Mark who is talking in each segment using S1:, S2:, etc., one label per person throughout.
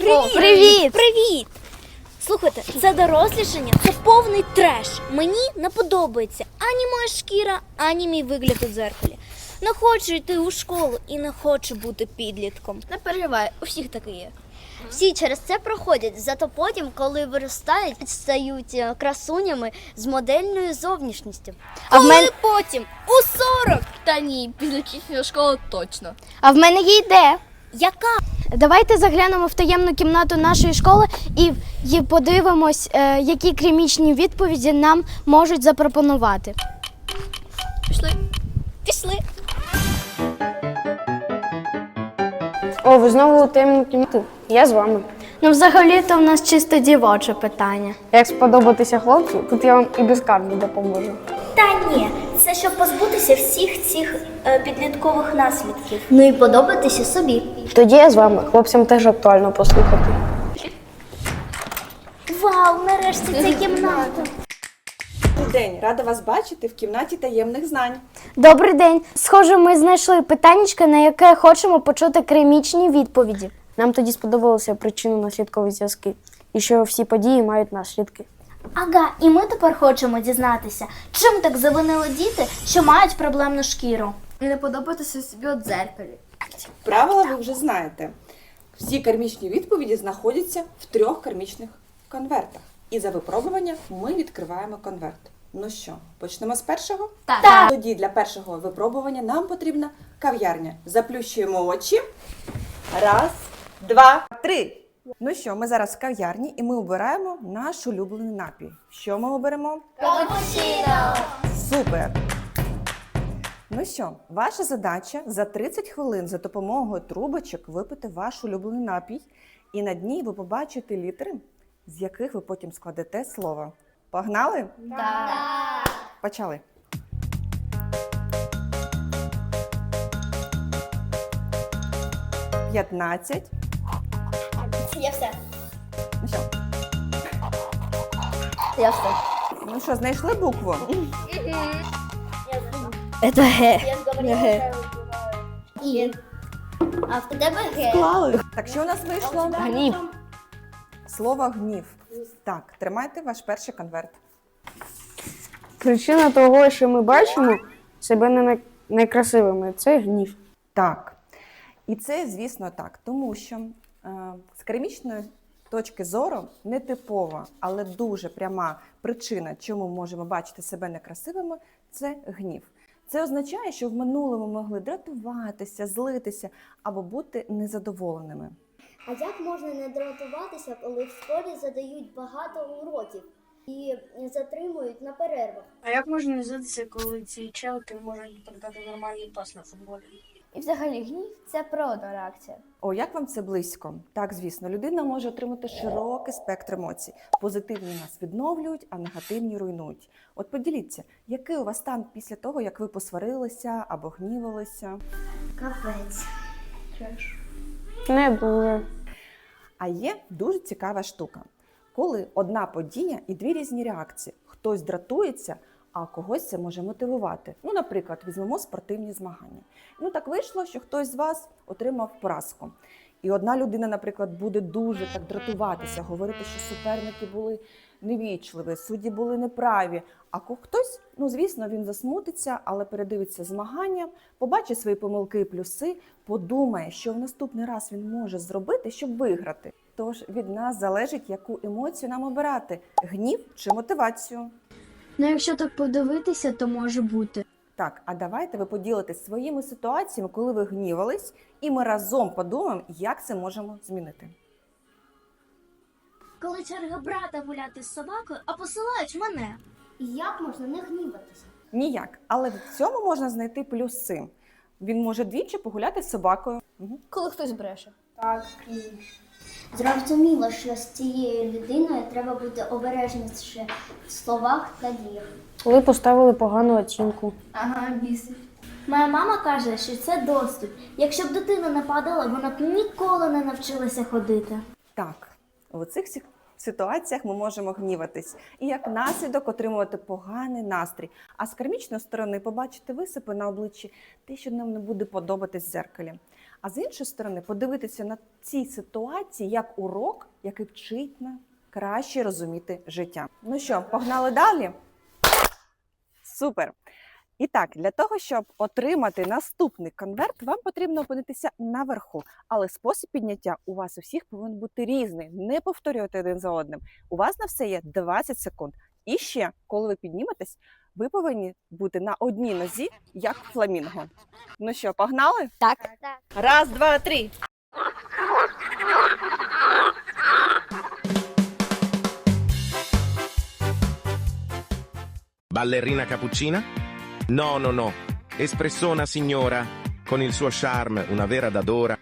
S1: Привіт!
S2: Привіт! Слухайте, це дорослішання, це повний треш. Мені не подобається ані моя шкіра, ані мій вигляд у дзеркалі. Не хочу йти у школу і не хочу бути підлітком.
S1: Не переживай, у всіх таке є. Всі через це проходять, зато потім, коли виростають, стають красунями з модельною зовнішністю.
S2: Коли потім? У 40!
S3: Та ні, після закінчення школи точно.
S4: А в мене є ідея.
S2: Яка?
S4: Давайте заглянемо в таємну кімнату нашої школи і подивимось, які клінічні відповіді нам можуть запропонувати.
S3: Пішли.
S2: Пішли.
S5: О, ви знову у таємній кімнаті. Я з вами.
S4: Ну, взагалі-то в нас чисто дівоче питання.
S5: Як сподобатися хлопцю, тут я вам і без карти допоможу.
S2: Та ні, це щоб позбутися всіх цих підліткових наслідків.
S1: Ну і подобатися собі.
S5: Тоді я з вами. Хлопцям теж актуально послухати.
S2: Вау, нарешті ця кімната.
S6: Добрий день, рада вас бачити в кімнаті таємних знань.
S4: Добрий день. Схоже, ми знайшли питаннячко, на яке хочемо почути клінічні відповіді.
S5: Нам тоді сподобалися причинно-наслідкові зв'язки. І що всі події мають наслідки.
S2: Ага, і ми тепер хочемо дізнатися, чим так завинили діти, що мають проблемну шкіру.
S3: І не подобатися собі у дзеркалі.
S6: Правила ви вже знаєте. Всі кармічні відповіді знаходяться в 3 кармічних конвертах. І за випробування ми відкриваємо конверт. Ну що, почнемо з першого?
S2: Так.
S6: Тоді для першого випробування нам потрібна кав'ярня. Заплющуємо очі. 1, 2, 3. Ну що, ми зараз в кав'ярні і ми обираємо наш улюблений напій. Що ми оберемо?
S2: Капучино!
S6: Супер! Ну що, ваша задача за 30 хвилин за допомогою трубочок випити ваш улюблений напій, і на дні ви побачите літери, з яких ви потім складете слово. Погнали? Так! Почали. «15».
S2: Я все.
S6: Ну що?
S1: Я все.
S6: Ну що, знайшли букву?
S1: Це Г.
S2: І.
S1: А в тебе Г.
S6: Клали. Так, що у нас вийшло?
S5: Гнів.
S6: Слово «гнів». Так, тримайте ваш перший конверт.
S5: Причина того, що ми бачимо себе не некрасивими, це гнів.
S6: Так. І це, звісно, так. Тому що з кармічної точки зору нетипова, але дуже пряма причина, чому ми можемо бачити себе некрасивими, це гнів. Це означає, що в минулому могли дратуватися, злитися або бути незадоволеними.
S1: А як можна не дратуватися, коли в школі задають багато уроків і затримують на перервах?
S7: А як можна не здатися, коли ці челки можуть передати нормальний пас на футболі?
S1: І взагалі гнів – це природна реакція.
S6: О, як вам це близько? Так, звісно, людина може отримати широкий спектр емоцій. Позитивні нас відновлюють, а негативні руйнують. От поділіться, який у вас стан після того, як ви посварилися або гнівалися?
S1: Капець.
S5: Не дуже.
S6: А є дуже цікава штука. Коли одна подія і 2 різні реакції. Хтось дратується, а когось це може мотивувати. Ну, наприклад, візьмемо спортивні змагання. Ну, так вийшло, що хтось з вас отримав поразку. І одна людина, наприклад, буде дуже так дратуватися, говорити, що суперники були невічливі, судді були неправі. А хтось, ну, звісно, він засмутиться, але передивиться змагання, побачить свої помилки і плюси, подумає, що в наступний раз він може зробити, щоб виграти. Тож від нас залежить, яку емоцію нам обирати – гнів чи мотивацію.
S4: Ну, якщо так подивитися, то може бути.
S6: Так, а давайте ви поділитесь своїми ситуаціями, коли ви гнівались, і ми разом подумаємо, як це можемо змінити.
S2: Коли черга брата гуляти з собакою, а посилають мене.
S1: І як можна не гніватися?
S6: Ніяк, але в цьому можна знайти плюси. Він може двічі погуляти з собакою.
S3: Коли хтось бреше.
S1: Зрозуміло, що з цією людиною треба бути обережніше в словах та діях.
S5: Коли поставили погану оцінку.
S3: Ага, бісить.
S2: Моя мама каже, що це доступ. Якщо б дитина не падала, вона б ніколи не навчилася ходити.
S6: Так, у цих ситуаціях ми можемо гніватись і як наслідок отримувати поганий настрій. А з кармічної сторони побачити висипи на обличчі те, що нам не буде подобатись в дзеркалі. А з іншої сторони, подивитися на ці ситуації як урок, який вчить нас краще розуміти життя. Ну що, погнали далі? Супер! І так, для того, щоб отримати наступний конверт, вам потрібно опинитися наверху. Але спосіб підняття у вас у всіх повинен бути різний. Не повторювати один за одним. У вас на все є 20 секунд. І ще, коли ви підніметесь, ви повинні бути на одній нозі, як фламінго. Ну що, погнали?
S4: Так.
S6: Раз, два, три.
S8: Ballerina cappuccina? No, no, no. Espressona signora, con il suo charme, una vera dadora.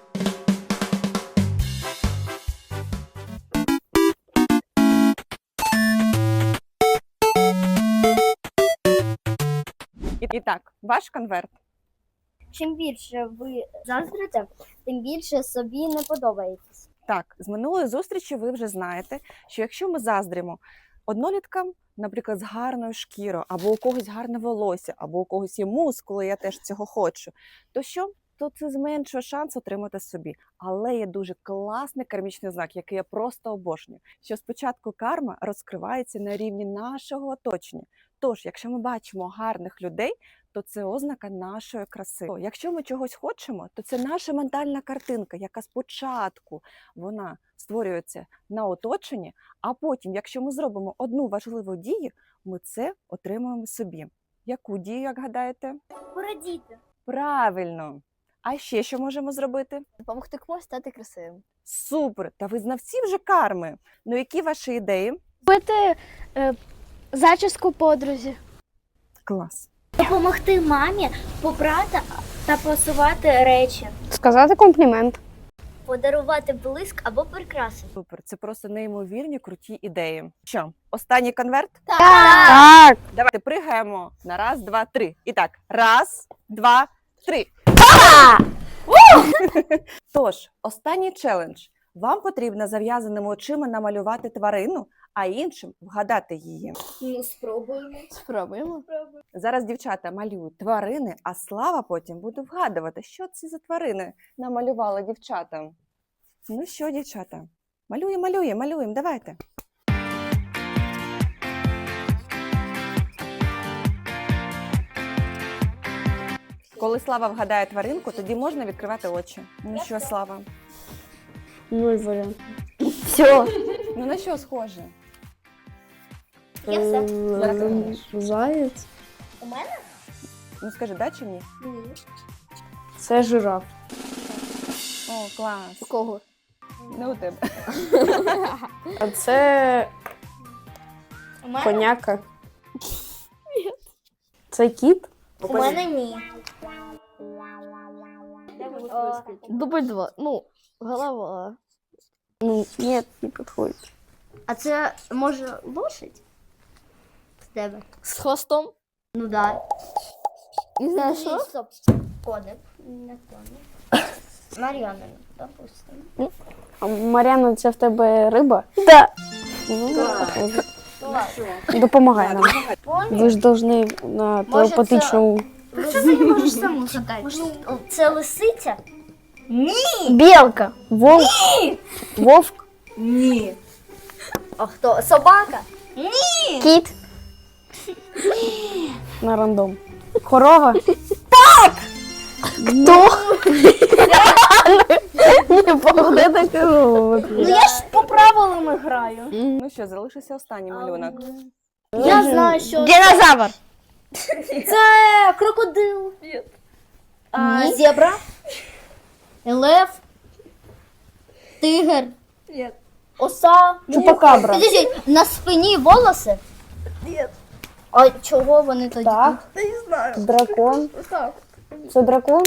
S6: І так, ваш конверт.
S1: Чим більше ви заздрите, тим більше собі не подобаєтесь.
S6: Так, з минулої зустрічі ви вже знаєте, що якщо ми заздримо одноліткам, наприклад, з гарною шкірою, або у когось гарне волосся, або у когось є мускули, я теж цього хочу, то що? То це зменшує шанс отримати собі. Але є дуже класний кармічний знак, який я просто обожнюю, що спочатку карма розкривається на рівні нашого оточення. Тож, якщо ми бачимо гарних людей, то це ознака нашої краси. Якщо ми чогось хочемо, то це наша ментальна картинка, яка спочатку вона створюється на оточенні, а потім, якщо ми зробимо одну важливу дію, ми це отримуємо собі. Яку дію, як гадаєте?
S1: Порадіти.
S6: Правильно! А ще що можемо зробити?
S3: Допомогти комусь стати красивим.
S6: Супер! Та ви знавці вже карми. Ну, які ваші ідеї?
S4: Купити зачіску подрузі.
S6: Клас!
S2: Допомогти мамі попрати та посувати речі.
S5: Сказати комплімент.
S1: Подарувати блиск або прикраси.
S6: Супер! Це просто неймовірні круті ідеї. Що, останній конверт?
S5: Так.
S6: Давайте пригаємо на раз, два, три. І так, раз, два, три. Тож, останній челендж. Вам потрібно зав'язаними очима намалювати тварину, а іншим вгадати її.
S3: Ну, спробуємо.
S6: Зараз дівчата малюють тварини, а Слава потім буде вгадувати, що це за тварини намалювали дівчата. Ну що, дівчата, малюємо, давайте. Коли Слава вгадає тваринку, тоді можна відкривати очі. Ну що, Слава?
S5: Нуль варіант. Все.
S6: Ну на що схоже?
S1: Я все.
S5: Заєць.
S1: У мене?
S6: Ну скажи, да чи ні?
S5: Це жираф.
S6: О, клас.
S3: У кого?
S6: Не у тебе.
S5: А це
S2: У мене?
S5: коняка. Це кіт?
S2: У мене ні.
S3: Дубль 2. Ну, голова.
S5: Ну, ні, не підходить.
S1: А це може лошадь? З тебе?
S3: З хвостом.
S1: Ну да.
S3: Не знаю, що?
S1: Стоп. Коник. Не коник. Мар'яна, допустимо.
S5: А Мар'яна, це в тебе риба? Так. Допомагай нам. Ви ж повинні на телепатичному...
S1: Що ти не можеш саму згадати? Це лисиця?
S5: Білка. Вовк. Вовк.
S1: А хто? Собака?
S5: Кіт. На рандом. Корова. Так! Хто? Не погоди корову.
S2: Ну я ж по правилам граю.
S6: Ну що, залишився останній малюнок.
S2: Я знаю, що
S5: Динозавр.
S2: це крокодил. Зебра.
S1: Лев? Тигр?
S2: Оса.
S5: Чупакабра.
S1: Підождіть, на спині волоси?
S3: Ні.
S1: А чого вони тоді?
S5: Так.
S3: Та не знаю.
S5: Дракон.
S3: Так.
S5: Це дракон?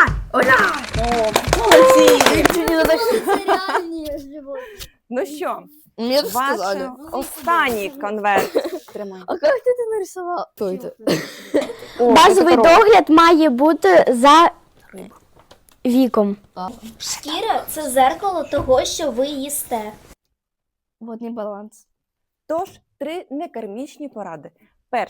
S1: Це реальні животні.
S6: Ну що,
S3: Мне
S6: ваш
S3: сказали.
S6: останній конверт. Тримай.
S3: А как ты это нарисовал? Кто это?
S4: Базовий догляд має бути за віком.
S2: Шкіра це зеркало того, що ви їсте.
S3: Водный баланс.
S6: Тож, 3 некармічні поради. Перше.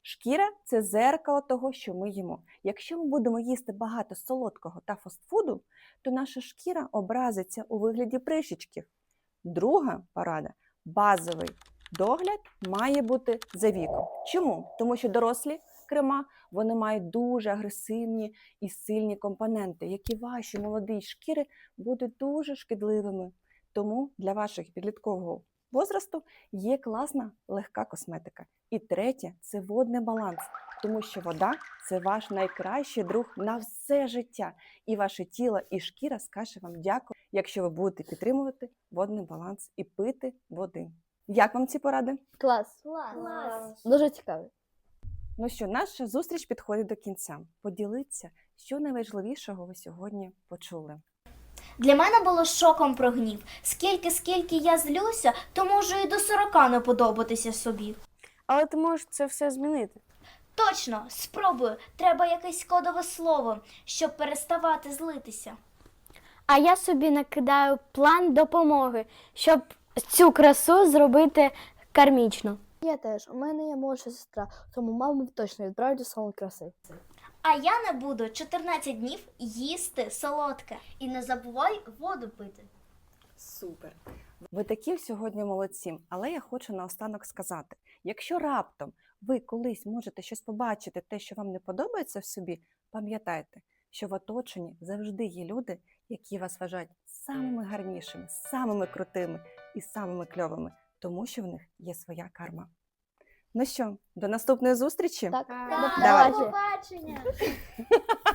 S6: Шкіра – це дзеркало того, що ми їмо. Якщо ми будемо їсти багато солодкого та фастфуду, то наша шкіра образиться у вигляді прищичків. Друга порада – базовий догляд має бути за віком. Чому? Тому що дорослі крема, вони мають дуже агресивні і сильні компоненти, які вашій молодій шкіри будуть дуже шкідливими. Тому для вашого підліткового возрасту є класна легка косметика. І третє – це водний баланс, тому що вода – це ваш найкращий друг на все життя. І ваше тіло і шкіра скаже вам дякую, якщо ви будете підтримувати водний баланс і пити води. Як вам ці поради?
S3: Клас. Дуже цікавий.
S6: Ну що, наша зустріч підходить до кінця. Поділіться, що найважливішого ви сьогодні почули.
S2: Для мене було шоком про гнів. Скільки я злюся, то можу і до 40 не подобатися собі.
S5: Але ти можеш це все змінити.
S2: Точно, спробую. Треба якесь кодове слово, щоб переставати злитися.
S4: А я собі накидаю план допомоги, щоб цю красу зробити кармічно.
S3: Я теж. У мене є молодша сестра, тому маму точно відправлять у салон краси.
S2: А я не буду 14 днів їсти солодке.
S1: І не забувай воду пити.
S6: Супер! Ви такі сьогодні молодці, але я хочу наостанок сказати, якщо раптом ви колись можете щось побачити, те, що вам не подобається в собі, пам'ятайте, що в оточенні завжди є люди, які вас вважають самими гарнішими, самими крутими і самими кльовими, тому що в них є своя карма. Ну що, до наступної зустрічі?
S3: Так.
S6: Давай.
S2: Побачення!